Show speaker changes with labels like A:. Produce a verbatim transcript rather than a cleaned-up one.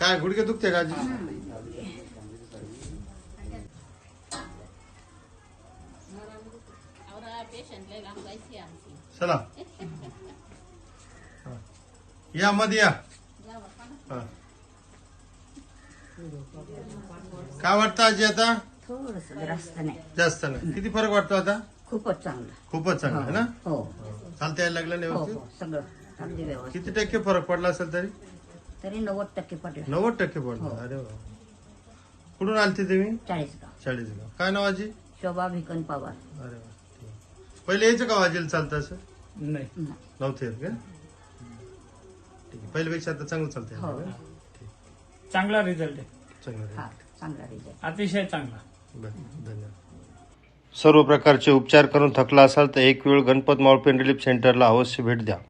A: काय गुडघे दुखते का आजी? चला या मध्ये या. हा. काय वाटतं आजी आता?
B: थोडस जास्त नाही,
A: जास्त नाही. किती फरक वाटतो आता?
B: खूपच चांगलं.
A: खूपच चांगला आहे ना?
B: हो
A: चालता यायला लागलं ना
B: हो
A: व्यवस्थित?
B: हो सगळं अगदी व्यवस्थित.
A: किती टक्के फरक पडला असेल तरी?
B: तरी नव्वद टक्के पडलं.
A: नव्वद टक्के पडला. अरे वा. कुठून आलते तुम्ही?
B: चाळीसगाव.
A: चाळीसगाव. काय नाव आजी?
B: शोभा भिकन पवार.
A: अरे वा. ठीक. पहिले यायचं का आजीला चालतं असं?
C: नाही
A: नव्हते येत का? ठीक आहे. पहिल्यापेक्षा आता चांगलं चालतंय
B: हो.
A: ना?
C: चांगला रिझल्ट आहे.
A: चांगलं आहे.
B: हा चांगला रिझल्ट.
C: अतिशय चांगला.
A: बरं, धन्यवाद. सर्व प्रकारचे उपचार करून थकला असाल तर एक वेळ गणपत मावळ पेन रिलीफ सेंटरला अवश्य भेट द्या.